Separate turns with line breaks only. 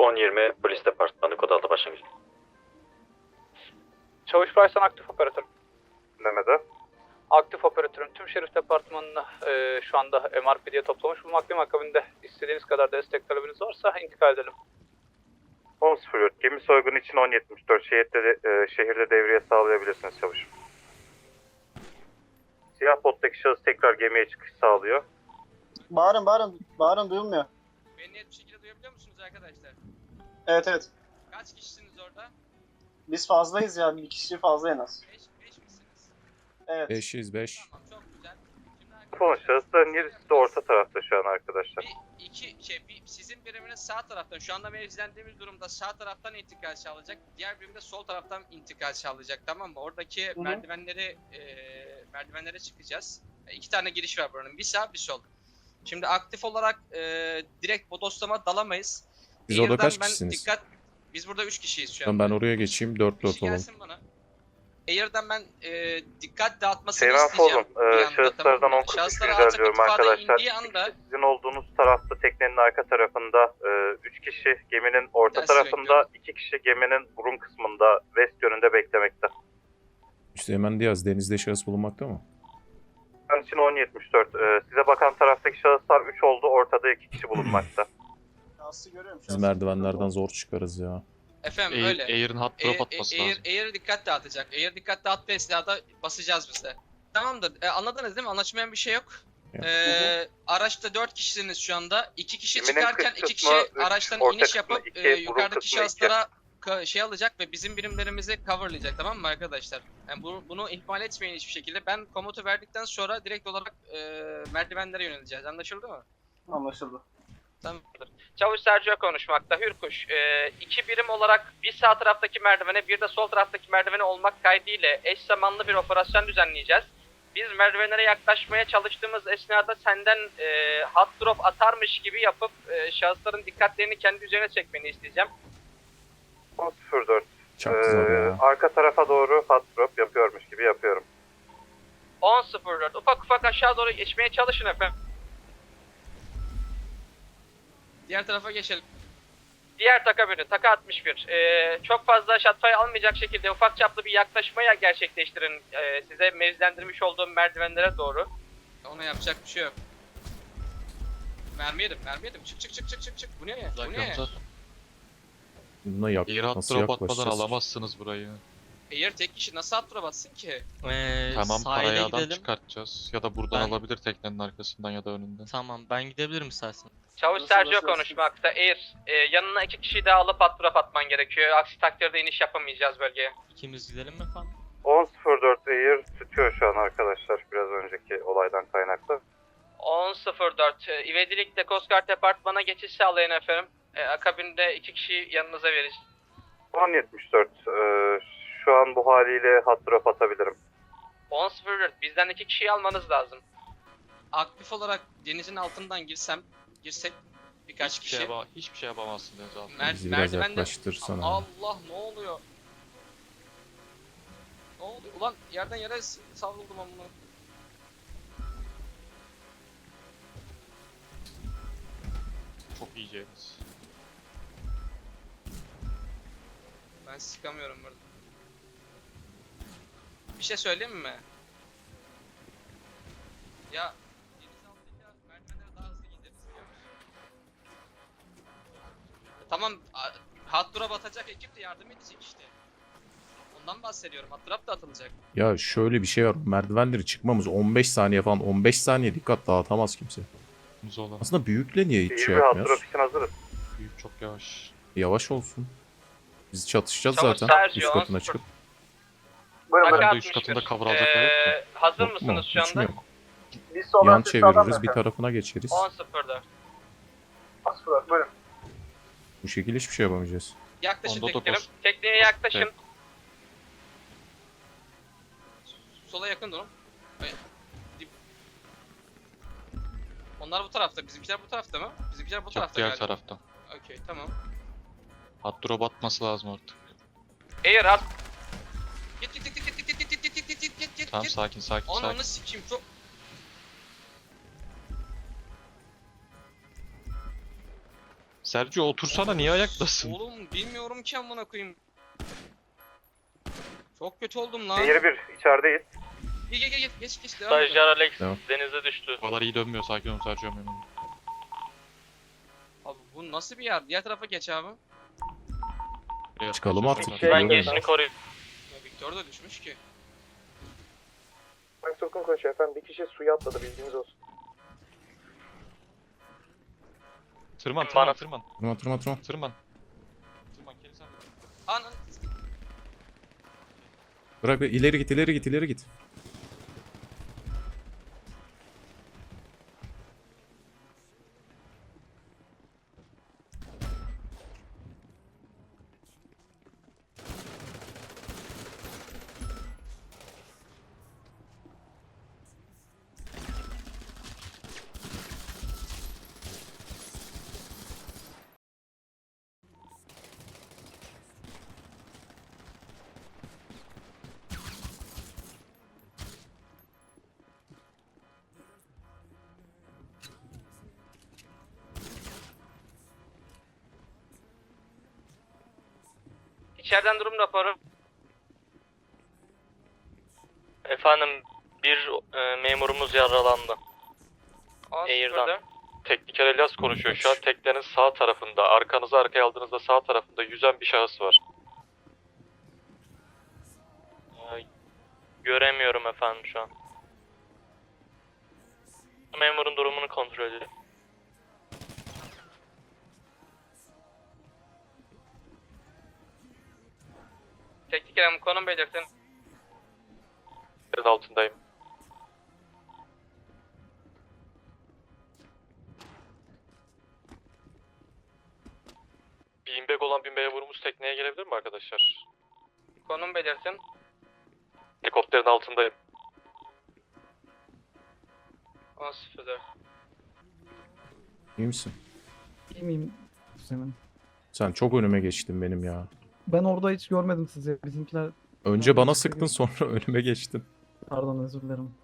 10-20 polis departmanı kod altı başlangıç.
Çavuş Baysan aktif operatör.
Dinlemede.
Aktif operatörüm. Tüm şerif departmanını şu anda MRPD'ye toplamış bulmaktayım. Akabinde istediğiniz kadar destek talebiniz varsa intikal edelim.
10.04. Gemi soygunu için 10.74. Şehirde devriye sağlayabilirsiniz çavuş. Siyah bottaki şahıs tekrar gemiye çıkış sağlıyor.
Bağırın duyulmuyor.
Beni net bir şekilde duyabiliyor musunuz arkadaşlar?
Evet.
Kaç kişisiniz orada?
Biz fazlayız ya, bir kişi fazla en az.
5 misiniz?
Evet.
505.
Tamam, çok güzel. Şimdi
Telefon şahısların yerisi de orta tarafta şu an arkadaşlar.
sizin biriminiz sağ taraftan, şu anda mevzilendiğimiz durumda sağ taraftan intikal sağlayacak. Diğer birim de sol taraftan intikal sağlayacak, tamam mı? Oradaki
Hı hı.
merdivenlere çıkacağız. 2 tane giriş var buranın, bir sağ bir sol. Şimdi aktif olarak direkt bodoslama dalamayız.
Biz orada
Air'dan
kaç kişisiniz?
Biz burada 3 kişiyiz şu
Tamam,
an.
ben oraya geçeyim 4
Bir
4
kişi
olalım.
gelsin bana. Air'dan ben dikkat dağıtmasını
Seyran
isteyeceğim.
Folum,
bir anda,
şahıslardan
tamam mı?
10.43
Şahıslara
rica
alçak
ediyorum
irtifada
arkadaşlar.
indiği anda
Sizin olduğunuz tarafta teknenin arka tarafında 3 kişi geminin orta
Ben sizi
tarafında, 2 kişi geminin burun kısmında west yönünde beklemekte.
Üsteğmen Diyaz, denizde şahıs bulunmakta mı?
Şu an için 10.74. Size bakan taraftaki şahıslar 3 oldu, ortada 2 kişi bulunmakta.
Şahsı görüyorum.
Biz merdivenlerden zor çıkarız ya.
efendim öyle.
Air'in hot drop atması lazım.
Air dikkat dağıtacak. Air dikkat dağıttı esnada basacağız biz de. Tamamdır. Anladınız değil mi? Anlaşmayan bir şey yok.
Yok.
Araçta 4 kişisiniz şu anda. 2 kişi
Geminin
çıkarken
kız
2 kişi
kısmı, üç,
araçtan
orta
iniş
kısmı
yapıp
iki, burun
yukarıdaki
kısmı
şahıslara şey alacak ve bizim birimlerimizi coverlayacak, tamam mı arkadaşlar? Yani bunu ihmal etmeyin hiçbir şekilde. Ben komutu verdikten sonra direkt olarak merdivenlere yöneleceğiz. Anlaşıldı mı?
Anlaşıldı.
Tamamdır. Çavuş Sergio konuşmakta. Hürkuş. 2 birim olarak bir sağ taraftaki merdivene bir de sol taraftaki merdivene olmak kaydıyla eş zamanlı bir operasyon düzenleyeceğiz. Biz merdivenlere yaklaşmaya çalıştığımız esnada senden hot drop atarmış gibi yapıp şahısların dikkatlerini kendi üzerine çekmeni isteyeceğim.
10.04.
Çok zor ya.
Arka tarafa doğru hot drop yapıyormuş gibi yapıyorum.
10.04. Ufak ufak aşağı doğru geçmeye çalışın efendim. Diğer tarafa geçelim. Diğer taka biri, taka 61. Çok fazla shotfire almayacak şekilde ufak çaplı bir yaklaşmaya gerçekleştirin. Size mevzilendirmiş olduğum merdivenlere doğru. Ona yapacak bir şey yok. Mermi yedim. Çık. Bu ne? Bu ne?
Buna
Air hot
nasıl
drop atmadan
yaklaşacağız?
alamazsınız burayı.
Eğer tek kişi nasıl attıra bassın ki?
Tamam,
Sahile
parayı adam
gidelim.
çıkartacağız. Ya da buradan
Ben-
alabilir teknenin arkasından ya da önünden.
Tamam, ben gidebilirim istersen.
Çavuş
Nasıl,
Sergio
nasıl?
konuşmakta. Eğer yanına 2 kişiyi daha alıp drop atman gerekiyor. Aksi takdirde iniş yapamayacağız bölgeye.
İkimiz gidelim mi efendim?
10.04 Air tutuyor şu an arkadaşlar, biraz önceki olaydan kaynaklı.
10.04. İvedilikle Coast Guard Departman'a geçiş sağlayın efendim. Akabinde 2 kişiyi yanınıza veririz.
10.74. Şu an bu haliyle hot drop atabilirim.
10.04. Bizden 2 kişiyi almanız lazım. Aktif olarak denizin altından girsek birkaç kişi.
Hiçbir şey yapamazsın deniz altında.
Bizi biraz yaklaştırsana.
Allah, ne oluyor? Ne oluyor? Ulan yerden yere savruldum amına.
Çok iyiceniz.
Ben sıkamıyorum burada. Bir şey söyleyeyim mi? Ya deniz altındaki merdivenlere daha hızlı gideriz biliyor musun? Tamam, hot drop atacak ekip de yardım edecek işte. Ondan bahsediyorum. Hot drop da atılacak.
Ya şöyle bir şey var. Merdivenleri çıkmamız 15 saniye falan. 15 saniye dikkat dağıtamaz kimse.
Zola.
Aslında büyükle niye hiç
İyi
şey
bir hot
yapmıyoruz?
drop için hazırız.
Büyük çok yavaş.
Yavaş olsun. Biz çatışacağız
Çavuş
zaten.
Sergio,
Üst katına
10-0.
çıkıp.
Ben de üst katında cover alacaklar yok mu?
Hazır
Yok mu?
mısınız şu
Hiç mi
anda?
yok?
Biz
Yan çeviririz, bir tarafına geçeriz.
10.04.
Buyurun.
Bu şekilde hiçbir şey yapamayacağız.
Yaklaşın
Onda
teknerim.
dokuz.
Tekneye yaklaşın.
Evet.
Sola yakın durun. Evet. Onlar bu tarafta. Bizimkiler bu tarafta mı? Bizimkiler bu
Çok
tarafta
diğer
galiba.
taraftan.
Okey, tamam.
Hot drop atması lazım artık.
Air at. Git.
Tamam, sakin.
Onu sikeyim çok.
Sergio otursana, niye ayaktasın?
Oğlum bilmiyorum ki amına koyayım. Çok kötü oldum lan.
Şehir 1 içerideyiz.
Geç devam et.
Stajyer Alex
Tamam.
denize düştü.
Bu kadar iyi dönmüyor, sakin ol Sergio memnun.
Abi bu nasıl bir yer? Diğer tarafa geç abi.
Çıkalım artık.
Ben girişini koruyayım.
Ya Victor da düşmüş ki.
Frank Turk'un konuşuyor efendim. Bir kişi suya atladı bilginiz olsun.
Tırman,
Bana-
tırman.
Tırman.
Kelly sen de.
Anan.
Bırak ileri git.
İçeriden durum raporu. Efendim bir memurumuz yaralandı. Air'dan.
Tekniker Elias konuşuyor şu an. Teknenin sağ tarafında, arkanızı arkaya aldığınızda sağ tarafında yüzen bir şahıs var.
Göremiyorum efendim şu an. Memurun durumunu kontrol edelim. Teknik hanım konum belirtin.
Yerin altındayım. Beanbag olan bir memurumuz tekneye gelebilir mi arkadaşlar?
Konum belirtin.
Helikopterin altındayım.
10.04.
İyi misin?
İyi miyim Hüseyin?
Sen çok önüme geçtin benim ya.
Ben orada hiç görmedim sizi. Bizimkiler
Önce bana sıktın sonra önüme geçtin.
pardon özür dilerim.